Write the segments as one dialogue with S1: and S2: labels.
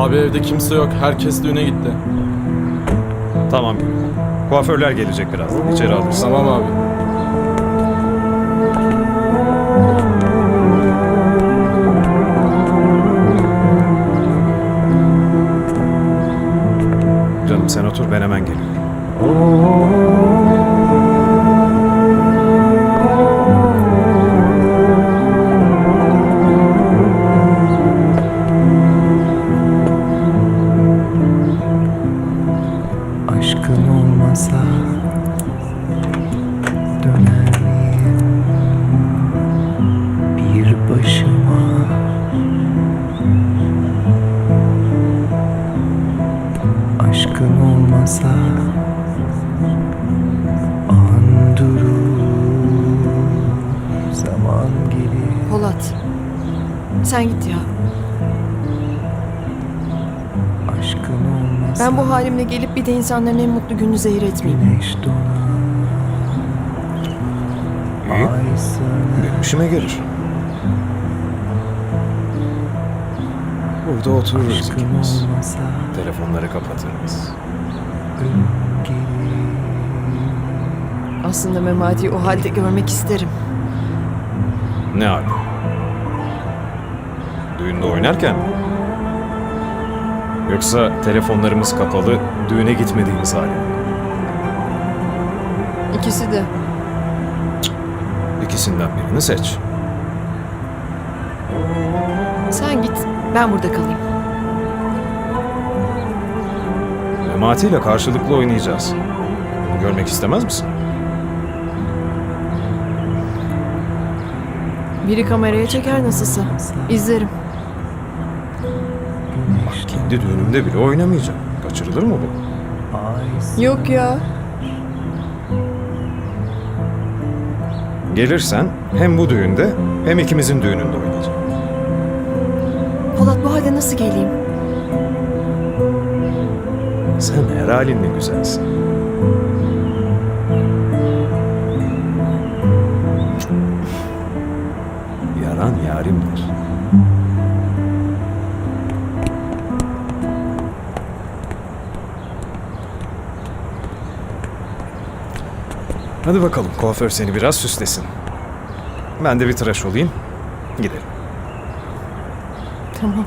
S1: Abi evde kimse yok. Herkes düğüne gitti.
S2: Tamam. Kuaförler gelecek birazdan. İçeri alırsın.
S1: Tamam abi.
S2: Canım sen otur, ben hemen geliyorum.
S3: Aşkın olmasa döner miyim bir başıma? Aşkın olmasa an durur, zaman gelir.
S4: Polat. Sen git ya.
S3: Aşkın olmasa
S4: Ben bu halimle gelip bir de insanların en mutlu gününü zehir etmeyeyim.
S3: güneş donar,
S2: İyi.
S3: ay söner.
S2: Benim işime gelir. Burada otururuz
S3: Aşkın
S2: ikimiz.
S3: olmasa
S2: Telefonları kapatırız.
S3: ölüm gelir.
S4: Aslında Memati'yi o halde görmek isterim.
S2: Ne hali? Düğünde oynarken mi? Yoksa telefonlarımız kapalı, düğüne gitmediğimiz hali mi?
S4: İkisi de.
S2: İkisinden birini seç.
S4: Sen git. Ben burada kalayım.
S2: Memati ile karşılıklı oynayacağız. Bunu görmek istemez misin?
S4: Biri kameraya çeker nasılsa. İzlerim.
S2: Kendi düğünümde bile oynamayacağım. Kaçırılır mı bu?
S3: Ay
S4: Yok ya.
S2: Gelirsen hem bu düğünde hem ikimizin düğününde oynayacağım.
S4: Polat bu halde nasıl geleyim?
S2: Sen her halinle güzelsin. Yaran yarimdir. Hadi bakalım, kuaför seni biraz süslesin. Ben de bir tıraş olayım. Gidelim.
S4: Tamam.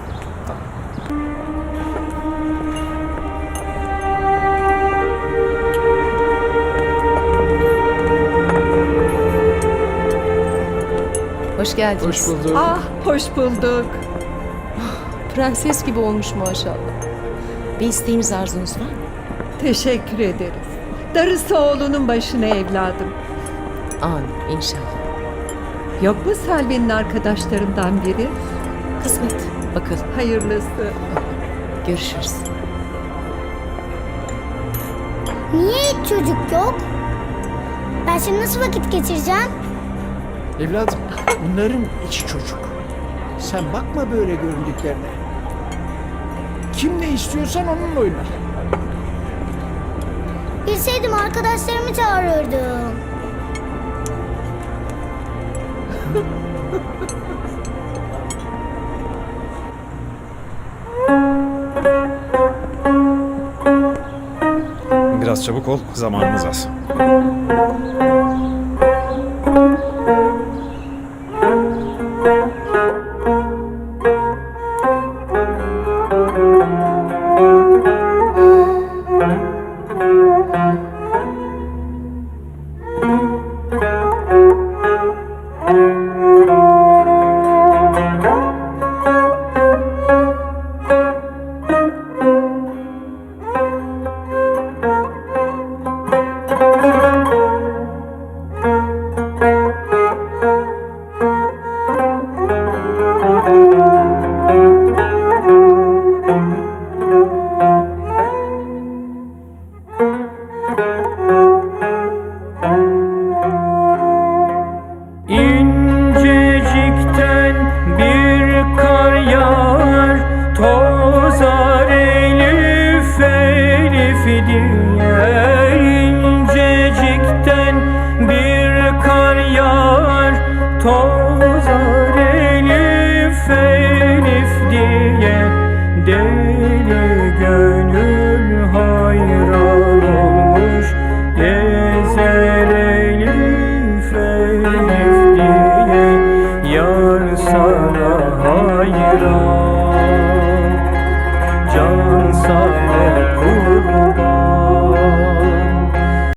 S5: Hoş geldiniz.
S1: Hoş bulduk.
S6: Ah, hoş bulduk.
S5: Prenses gibi olmuş maşallah. Bir isteğiniz, arzunuz var mı?
S6: Teşekkür ederiz. Darısı oğlunun başına evladım.
S5: Amin inşallah.
S6: Yok mu Selvi'nin arkadaşlarından biri?
S5: Kısmet. Bakalım.
S6: Hayırlısı.
S5: Görüşürüz.
S7: Niye hiç çocuk yok? Ben şimdi nasıl vakit geçireceğim?
S8: Evladım, bunların içi çocuk. Sen bakma böyle göründüklerine. Kim ne istiyorsan onunla oyna.
S7: Bilseydim arkadaşlarımı çağırırdım.
S2: Biraz çabuk ol, zamanımız az.